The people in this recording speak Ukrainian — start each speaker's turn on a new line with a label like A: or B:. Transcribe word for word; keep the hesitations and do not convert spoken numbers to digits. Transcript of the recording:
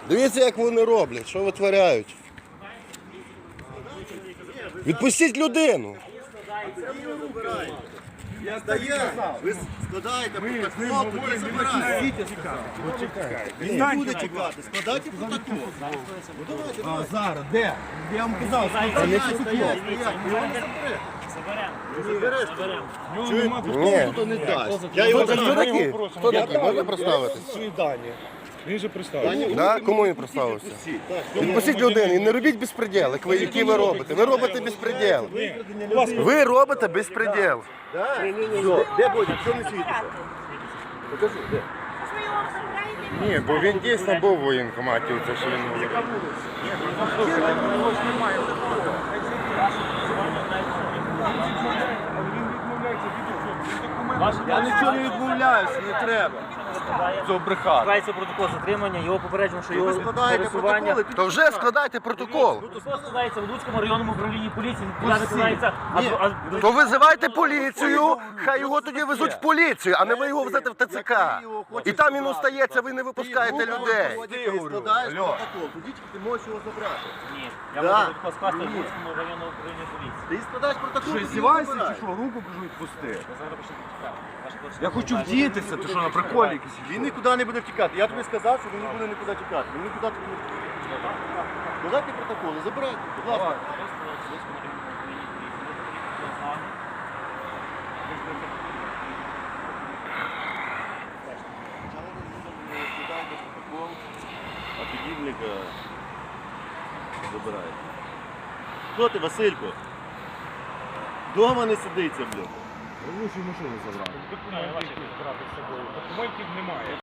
A: Дивіться, як вони роблять, що витворяють. Відпустіть людину.
B: Я стояв, ви складаєте протокол, тоді забираєте. Він не буде чекати, складайте протокол. Ну давайте, давайте.
C: Зараз, де? Я вам казав,
B: Стоять, стоять, стоять. Забереш, заберемо.
A: Ні.
B: Хто не дасть. Я його
A: Хто
B: знаю.
A: такі? Хто такі? Можна представитись?
C: свої дані. Він же представив.
A: Да? Кому він представився? Відпустіть людину і не робіть безпреділ, як ви, які ви робите. Ви робите безпреділ. Ви робите безпреділ.
B: Де буде? Що не світиться? Покажи, де?
D: Ні, бо він дійсно був у воєнкоматі, це що він говорив.
C: Я нічого не відмовляюся, не треба. Цього брехати.
E: Складається протокол затримання, його попереджено, що його
B: Ви складаєте
E: пересування.
B: протоколи,
A: То вже складайте протокол.
E: Протокол складається в Луцькому районному управлінні поліції, відповідально складається. а- а-
A: То визивайте поліцію, хай його тоді везуть в поліцію, а не ви його везете в ТЦК. І там він остається, ви не випускаєте людей.
B: Ти складаєш протокол, тоді ти можеш його забрати.
E: Ні, я
B: Да.
E: можу протокол скласти в Луцькому районному управлінні поліції.
B: Ти складаєш протокол,
C: Що,
B: тоді
C: здіваєшся чи
B: забираєш.
C: що? Руку кажу відпусти.
E: Ви зараз пишете цікаво. Ваша почта.
C: Я хочу вдітися, ти що на приколі якийсь?
B: Він нікуди не буде втікати. Я тобі сказав, що він не буде нікуди тікати. Він нікуди тобі не буде. Складайте протоколи, забирайте, будь ласка. Складайте протокол, а підібника забираєте. Хто ти, Василько? Дома не сидиться, блядь.
C: Лучше машину забрати.
E: Документів немає.